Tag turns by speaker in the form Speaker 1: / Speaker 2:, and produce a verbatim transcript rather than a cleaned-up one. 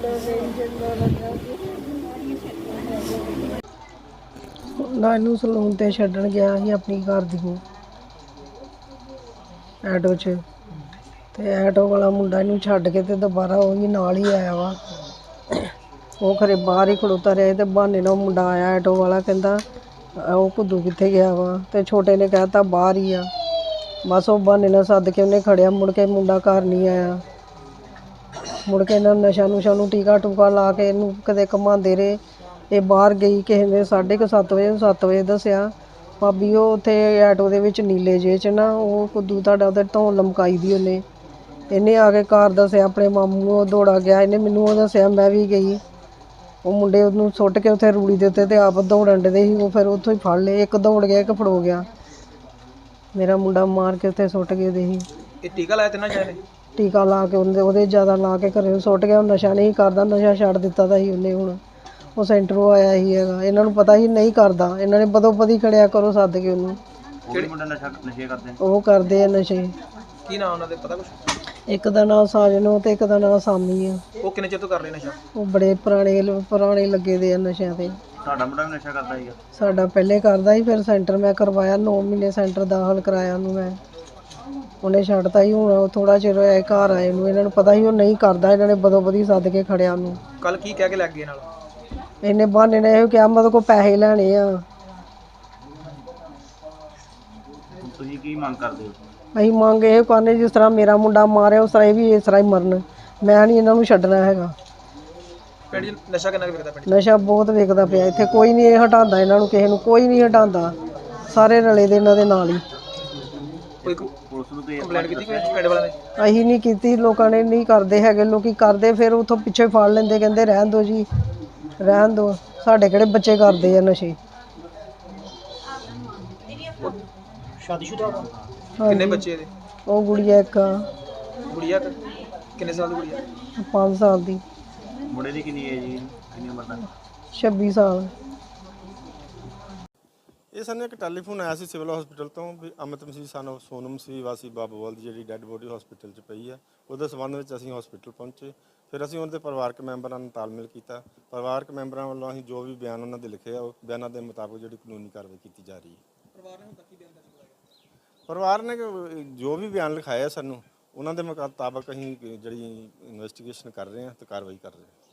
Speaker 1: ਨਾ ਇਹਨੂੰ ਸਲੂਨ ਤੇ ਛੱਡਣ ਗਿਆ ਸੀ ਆਪਣੀ ਘਰ ਦੀ ਨੂੰ ਆਟੋ 'ਚ, ਤੇ ਆਟੋ ਵਾਲਾ ਮੁੰਡਾ ਇਹਨੂੰ ਛੱਡ ਕੇ ਤੇ ਦੁਬਾਰਾ ਉਹ ਵੀ ਨਾਲ ਹੀ ਆਇਆ ਵਾ। ਉਹ ਖਰੇ ਬਾਹਰ ਹੀ ਖੜੋਤਾ ਰਿਹਾ ਤੇ ਬਹਾਨੇ ਨਾਲ ਉਹ ਮੁੰਡਾ ਆਇਆ ਆਟੋ ਵਾਲਾ, ਕਹਿੰਦਾ ਉਹ ਘੁੱਦੂ ਕਿੱਥੇ ਗਿਆ ਵਾ, ਤੇ ਛੋਟੇ ਨੇ ਕਹਿ ਤਾ ਬਾਹਰ ਹੀ ਆ। ਬਸ ਉਹ ਬਹਾਨੇ ਨਾਲ ਸੱਦ ਕੇ ਉਹਨੇ ਖੜਿਆ, ਮੁੜ ਕੇ ਮੁੰਡਾ ਘਰ ਨਹੀਂ ਆਇਆ। ਮੁੜ ਕੇ ਇਹਨਾਂ ਨਸ਼ਾ ਨੁਸ਼ਾ ਨੂੰ ਟੀਕਾ ਟੂਕਾ ਲਾ ਕੇ ਇਹਨੂੰ ਕਦੇ ਘੁਮਾਉਂਦੇ ਰਹੇ। ਇਹ ਬਾਹਰ ਗਈ ਕਿਸੇ ਨੇ ਸਾਢੇ ਕੁ ਸੱਤ ਵਜੇ ਸੱਤ ਵਜੇ ਦੱਸਿਆ, ਭਾਬੀ ਉਹ ਉੱਥੇ ਆਟੋ ਦੇ ਵਿੱਚ ਨੀਲੇ ਜਿਹੇ 'ਚ ਨਾ ਉਹ ਘੁੱਦੂ ਤੁਹਾਡਾ ਉਹਦੇ ਧੌਣ ਲਮਕਾਈ ਦੀ ਉਹਨੇ। ਇਹਨੇ ਆ ਕੇ ਘਰ ਦੱਸਿਆ ਆਪਣੇ ਮਾਮੂ ਨੂੰ, ਉਹ ਦੌੜਾ ਗਿਆ, ਇਹਨੇ ਮੈਨੂੰ ਉਹ ਦੱਸਿਆ, ਮੈਂ ਵੀ ਗਈ। ਉਹ ਮੁੰਡੇ ਉਹਨੂੰ ਸੁੱਟ ਕੇ ਉੱਥੇ ਰੂੜੀ ਦੇ ਉੱਤੇ ਤੇ ਆਪ ਦੌੜਨ ਡੇ ਸੀ। ਉਹ ਫਿਰ ਉੱਥੋਂ ਹੀ ਫੜ ਲਏ, ਇੱਕ ਦੌੜ ਗਿਆ ਇੱਕ ਫੜੋ ਗਿਆ। ਮੇਰਾ ਮੁੰਡਾ ਮਾਰ ਕੇ ਉੱਥੇ ਸੁੱਟ ਗਏ ਦੇ ਸੀ।
Speaker 2: ਇਹ ਟੀਕਾ ਲਾਇਆ ਤਿੰਨਾਂ ਜਣਿਆਂ ਨੇ?
Speaker 1: ਟੀਕਾ ਲਾ ਕੇ ਉਹਦੇ ਉਹਦੇ ਜ਼ਿਆਦਾ ਲਾ ਕੇ ਘਰੇ ਸੁੱਟ ਗਿਆ। ਉਹ ਨਸ਼ਾ ਨਹੀਂ ਕਰਦਾ, ਨਸ਼ਾ ਛੱਡ ਦਿੱਤਾ ਦਾ ਸੀ ਉਹਨੇ। ਹੁਣ ਉਹ ਸੈਂਟਰੋਂ ਆਇਆ ਹੀ ਹੈਗਾ, ਇਹਨਾਂ ਨੂੰ ਪਤਾ ਹੀ ਨਹੀਂ ਕਰਦਾ। ਇਹਨਾਂ ਨੇ ਬਦੋ ਬਦੀ ਖੜਿਆ ਕਰੋ ਸੱਦ ਕੇ ਉਹਨੂੰ।
Speaker 2: ਕਿਹੜੇ ਮੁੰਡਾ ਨਸ਼ਾ ਨਸ਼ੇ ਕਰਦੇ?
Speaker 1: ਉਹ ਕਰਦੇ ਆ ਨਸ਼ੇ।
Speaker 2: ਕੀ ਨਾਮ ਉਹਨਾਂ ਦੇ ਪਤਾ ਕੁਛ?
Speaker 1: ਇੱਕ ਦਾ ਨਾਂ ਸਾਜਨ ਤੇ ਇੱਕ ਦਾ ਨਾਂ ਸਾਮੀ ਆ।
Speaker 2: ਉਹ ਕਿੰਨੇ ਚਿਰ ਤੋਂ ਕਰ ਰਹੇ ਨਸ਼ਾ?
Speaker 1: ਉਹ ਬੜੇ ਪੁਰਾਣੇ ਪੁਰਾਣੇ ਲੱਗੇ ਦੇ ਆ ਨਸ਼ਿਆਂ ਤੇ।
Speaker 2: ਤੁਹਾਡਾ ਮੁੰਡਾ ਵੀ ਨਸ਼ਾ ਕਰਦਾ ਸੀਗਾ?
Speaker 1: ਸਾਡਾ ਪਹਿਲੇ ਕਰਦਾ ਸੀ, ਫਿਰ ਸੈਂਟਰ ਮੈਂ ਕਰਵਾਇਆ, ਨੌ ਮਹੀਨੇ ਸੈਂਟਰ ਦਾਖਲ ਕਰਾਇਆ ਉਹਨੂੰ ਮੈਂ। ਉਹਨੇ ਛੱਡਤਾ ਹੀ। ਹੁਣ ਥੋੜਾ ਚਿਰ ਹੋਇਆ ਘਰ ਆਏ ਨੂੰ। ਇਹਨਾਂ ਨੂੰ ਪਤਾ ਸੀ ਉਹ ਨਹੀਂ ਕਰਦਾ, ਇਹਨਾਂ ਨੇ ਬਦੋ ਬਦੀ ਸੱਦ ਕੇ ਖੜਿਆ ਉਹਨੂੰ।
Speaker 2: ਕੱਲ ਕੀ ਕਹਿ ਕੇ ਲੱਗ ਗਏ ਨਾਲ?
Speaker 1: ਇਹਨੇ ਬਹਾਨੇ ਨੇ ਇਹ ਕਿਹਾ ਮਤਲਬ ਕੋ ਪੈਸੇ ਲੈਣੇ ਆ।
Speaker 2: ਤੁਸੀਂ ਕੀ ਮੰਗ ਕਰਦੇ ਹੋ?
Speaker 1: ਅਸੀਂ ਮੰਗ ਇਹ ਕਰਨੇ, ਜਿਸ ਤਰ੍ਹਾਂ ਮੇਰਾ ਮੁੰਡਾ ਮਾਰਿਆ ਉਸ ਤਰ੍ਹਾਂ ਇਹ ਵੀ ਇਸ ਤਰ੍ਹਾਂ ਹੀ ਮਰਨ। ਮੈਂ ਨਹੀਂ ਇਹਨਾਂ ਨੂੰ ਛੱਡਣਾ ਹੈਗਾ।
Speaker 2: ਪਿੰਡ 'ਚ ਨਸ਼ਾ ਕਿੰਨਾ ਕੁ ਵਿਕਦਾ ਪਿੰਡ 'ਚ?
Speaker 1: ਨਸ਼ਾ ਬਹੁਤ ਵਿਕਦਾ ਪਿਆ ਇੱਥੇ, ਕੋਈ ਨਹੀਂ ਇਹ ਹਟਾਉਂਦਾ ਇਹਨਾਂ ਨੂੰ, ਕਿਸੇ ਨੂੰ ਕੋਈ ਨਹੀਂ ਹਟਾਉਂਦਾ। ਸਾਰੇ ਰਲੇ ਦੇ ਇਹਨਾਂ ਦੇ ਨਾਲ ਹੀ।
Speaker 2: ਕੋਈ ਪੁਲਿਸ ਨੂੰ ਕੋਈ ਕੰਪਲੇਂਟ ਕੀਤੀ ਕੋਈ ਪਿੰਡ ਵਾਲਿਆਂ ਨੇ?
Speaker 1: ਅਸੀਂ ਨਹੀਂ ਕੀਤੀ, ਲੋਕਾਂ ਨੇ ਨਹੀਂ ਕਰਦੇ ਹੈਗੇ। ਲੋਕੀ ਕਰਦੇ ਫਿਰ ਉੱਥੋਂ ਪਿੱਛੇ ਫੜ ਲੈਂਦੇ, ਕਹਿੰਦੇ ਰਹਿਣ ਦਿਓ ਜੀ ਰਹਿਣ ਦਿਓ। ਸਾਡੇ ਕਿਹੜੇ ਬੱਚੇ ਕਰਦੇ ਆ ਨਸ਼ੇ।
Speaker 2: ਸ਼ਾਦੀशुदा? ਕਿੰਨੇ ਬੱਚੇ ਇਹਦੇ?
Speaker 1: ਉਹ ਗੁੜੀਆ ਇੱਕ ਆ।
Speaker 2: ਗੁੜੀਆ ਕਿੰਨੇ ਸਾਲ ਦੀ ਗੁੜੀਆ?
Speaker 1: ਪੰਜ ਸਾਲ ਦੀ।
Speaker 2: ਮੁੰਡੇ ਦੀ ਕਿੰਨੀ ਏਜ ਜੀ? ਕਿੰਨੀ ਉਮਰ ਦਾ?
Speaker 1: ਛੱਬੀ ਸਾਲ।
Speaker 3: ਇਹ ਸਾਨੂੰ ਇੱਕ ਟੈਲੀਫੋਨ ਆਇਆ ਸੀ ਸਿਵਲ ਹਸਪੀਟਲ ਤੋਂ ਵੀ ਅਮਿਤ ਮਸੀਹ ਸਾਨੂੰ ਸੋਨਮ ਮਸੀਹ ਵਾਸੀ ਬਾਬੂਵਾਲ ਦੀ ਜਿਹੜੀ ਡੈੱਡ ਬੋਡੀ ਹਸਪੀਟਲ 'ਚ ਪਈ ਆ। ਉਹਦੇ ਸੰਬੰਧ ਵਿੱਚ ਅਸੀਂ ਹਸਪੀਟਲ ਪਹੁੰਚੇ। ਫਿਰ ਅਸੀਂ ਉਹਨਾਂ ਦੇ ਪਰਿਵਾਰਕ ਮੈਂਬਰਾਂ ਨਾਲ ਤਾਲਮੇਲ ਕੀਤਾ। ਪਰਿਵਾਰਕ ਮੈਂਬਰਾਂ ਵੱਲੋਂ ਅਸੀਂ ਜੋ ਵੀ ਬਿਆਨ ਉਹਨਾਂ ਦੇ ਲਿਖੇ ਆ ਉਹ ਬਿਆਨਾਂ ਦੇ ਮੁਤਾਬਕ ਜਿਹੜੀ ਕਾਨੂੰਨੀ ਕਾਰਵਾਈ ਕੀਤੀ ਜਾ ਰਹੀ ਹੈ।
Speaker 2: ਪਰਿਵਾਰ ਨੇ ਹੁਣ ਤੱਕ ਕੀ ਬਿਆਨ ਦਰਜ ਕਰਾਇਆ?
Speaker 3: ਪਰਿਵਾਰ ਨੇ ਜੋ ਵੀ ਬਿਆਨ ਲਿਖਾਇਆ ਸਾਨੂੰ ਉਹਨਾਂ ਦੇ ਮੁਤਾਬਕ ਅਸੀਂ ਜਿਹੜੀ ਇਨਵੈਸਟੀਗੇਸ਼ਨ ਕਰ ਰਹੇ ਹਾਂ ਤੇ ਕਾਰਵਾਈ ਕਰ ਰਹੇ ਹਾਂ।